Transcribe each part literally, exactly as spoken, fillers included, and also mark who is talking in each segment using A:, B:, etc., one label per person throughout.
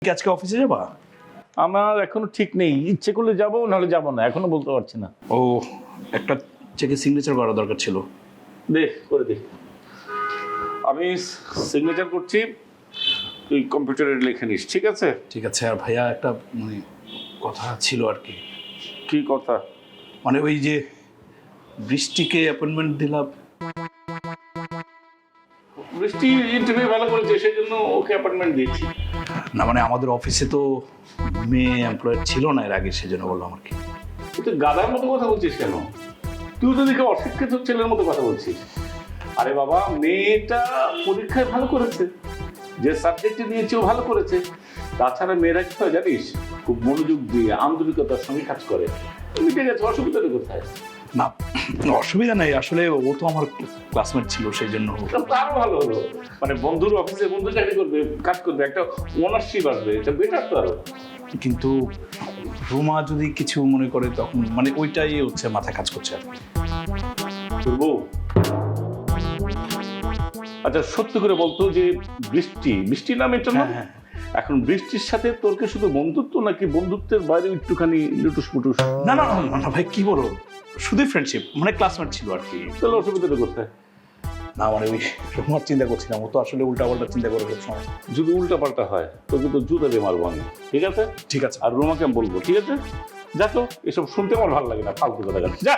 A: আজকে অফিসে যাবা?
B: আমার এখনো ঠিক নেই, ইচ্ছে করলে যাবো নাহলে যাবো না, এখনো বলতে পারছি না।
A: ও একটা চেকে সিগনেচার করা দরকার ছিল।
B: দে করে দে, আমি সিগনেচার করছি, তুই কম্পিউটারে লিখে নিস, ঠিক আছে?
A: ঠিক আছে। আর ভাইয়া একটা মানে কথা ছিল আর কি।
B: কি কথা?
A: মানে ওই যে বৃষ্টিকে অ্যাপয়েন্টমেন্ট দিলাম।
B: বৃষ্টি ইন্টারভিউ ভালো করেছে, সেই জন্য ওকে অ্যাপয়েন্টমেন্ট দিয়েছি।
A: না মানে আমাদের অফিসে তো মেয়ে এমপ্লয়ার ছিল না এর আগে, সেজন্য বললাম আর কি।
B: তুই গাধার মতো কথা বলছিস কেন? তুই তো দেখে অশিক্ষিত ছেলের মতো কথা বলছিস। আরে বাবা, মেয়েটা পরীক্ষায় ভালো করেছে, যে সাবজেক্টে নিয়েছে ও ভালো করেছে। তাছাড়া মেয়েরা কি হয় জানিস, খুব মনোযোগ দিয়ে আন্তরিকতার সঙ্গে কাজ করে। মিটে গেছে, অসুবিধাটা কোথায়?
A: না অসুবিধা নেই, আসলে ও তো আমার ক্লাসমেট ছিল সেই জন্য।
B: আরো ভালো হলো, মানে বন্ধুর অফিসে বন্ধু চাকরি করবে, কাজ করবে, একটা ওনারশিপ আসবে, এটা বেটার তো আরো।
A: কিন্তু রুমা যদি কিছু মনে করে তখন মানে ওইটাই হচ্ছে মাথায় কাজ করছে আর কি।
B: তোর বউ? আচ্ছা সত্যি করে বলতো যে বৃষ্টি বৃষ্টি নাম এটা না,
A: হ্যাঁ,
B: এখন বৃষ্টির সাথে তোর কি শুধু বন্ধুত্ব নাকি বন্ধুত্বের বাইরে একটুখানি লুটুস পুটুস?
A: না না না না ভাই কি বলো, শুধুই ফ্রেন্ডশিপ, মানে ক্লাসমেট ছিল আর কি।
B: তাহলে অসুবিধাটা কোথায়?
A: না মানে ওই রুমার চিন্তা করছিলাম, ও তো আসলে উল্টা পাল্টা চিন্তা করে সব সময়।
B: যদি উল্টা পাল্টা হয় তোকে তো জুতা দিয়ে মারবো আমি, ঠিক আছে?
A: ঠিক আছে।
B: আর রুমাকে আমি বলবো, ঠিক আছে? যা তো, এসব শুনতে আমার ভালো লাগে না, ফালতু কথা। যা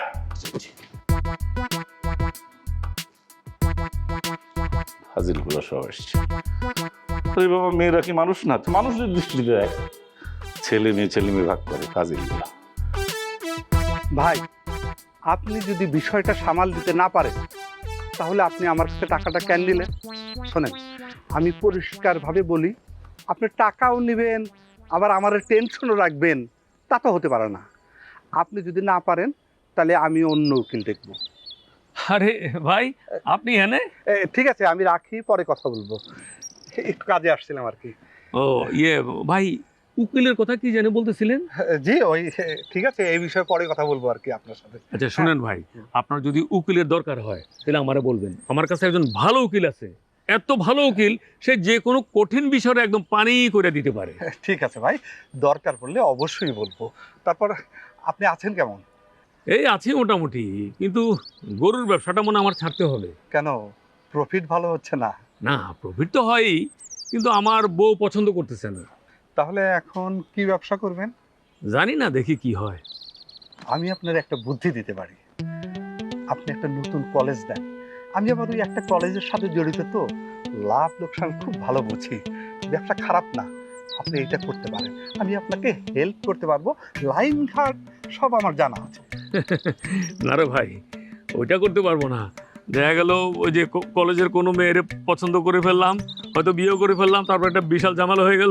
B: হাজির গুলো সব আসছে। আরে বাবা, মেয়েরা কি মানুষ না? মানুষের দৃষ্টিতে দেখ, ছেলে মেয়ে ছেলে মেয়ে ভাগ করে ফাজিল গুলো।
C: ভাই, আপনি যদি বিষয়টা সামাল দিতে না পারেন তাহলে আপনি আমার কাছে টাকাটা কেন নিলেন? শোনেন, আমি পরিষ্কারভাবে বলি, আপনি টাকাও নেবেন আবার আমার টেনশনও রাখবেন, তা তো হতে পারে না। আপনি যদি না পারেন তাহলে আমি অন্য উকিল দেখব।
D: আরে ভাই, আপনি এনে?
C: এ, ঠিক আছে, আমি রাখি, পরে কথা বলবো, একটু কাজে আসছিলাম আর কি।
D: ও ইয়ে ভাই, উকিলের কথা কি জানে বলতেছিলেন?
C: জি ওই, ঠিক আছে, এই বিষয়ে পরে কথা বলবো আর কি আপনার সাথে।
D: আচ্ছা শুনেন ভাই, আপনার যদি উকিলের দরকার হয় তাহলে আমারে বলবেন। আমার কাছে একজন ভালো উকিল আছে, এত ভালো উকিল, সে যে কোনো কঠিন বিষয়ে একদম পানি করে দিতে পারে।
C: ঠিক আছে ভাই, দরকার পড়লে অবশ্যই বলবো। তারপর আপনি আছেন কেমন?
D: এই আছি মোটামুটি, কিন্তু গরুর ব্যবসাটা মনে আমার ছাড়তে হবে।
C: কেন, প্রফিট ভালো হচ্ছে না?
D: না, প্রফিট তো হয়ই, কিন্তু আমার বউ পছন্দ করতেছে না।
C: তাহলে এখন কি ব্যবসা করবেন?
D: জানি না, দেখি কি হয়।
C: আমি আপনার একটা বুদ্ধি দিতে পারি। আপনি একটা নতুন কলেজ দেন, আমি আবার ওই একটা কলেজের সাথে জড়িত, তো লাভ লোকসান খুব ভালো বুঝি, ব্যবসা খারাপ না। আপনি এটা করতে পারেন, আমি আপনাকে হেল্প করতে পারবো, লাইন ঘাট সব আমার জানা আছে।
D: না রে ভাই, ওইটা করতে পারবো না। দেখা গেল ওই যে ক- কলেজের কোনো মেয়ের পছন্দ করে ফেললাম, হয়তো বিয়ে করে ফেললাম, তারপর একটা বিশাল ঝামেলা হয়ে গেল।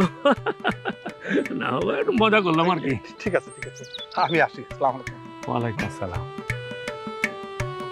D: না, একটু মজা করলাম আর কি।
C: ঠিক আছে ঠিক আছে, আমি আসি, আসসালামু আলাইকুম।
D: ওয়ালাইকুম আসসালাম।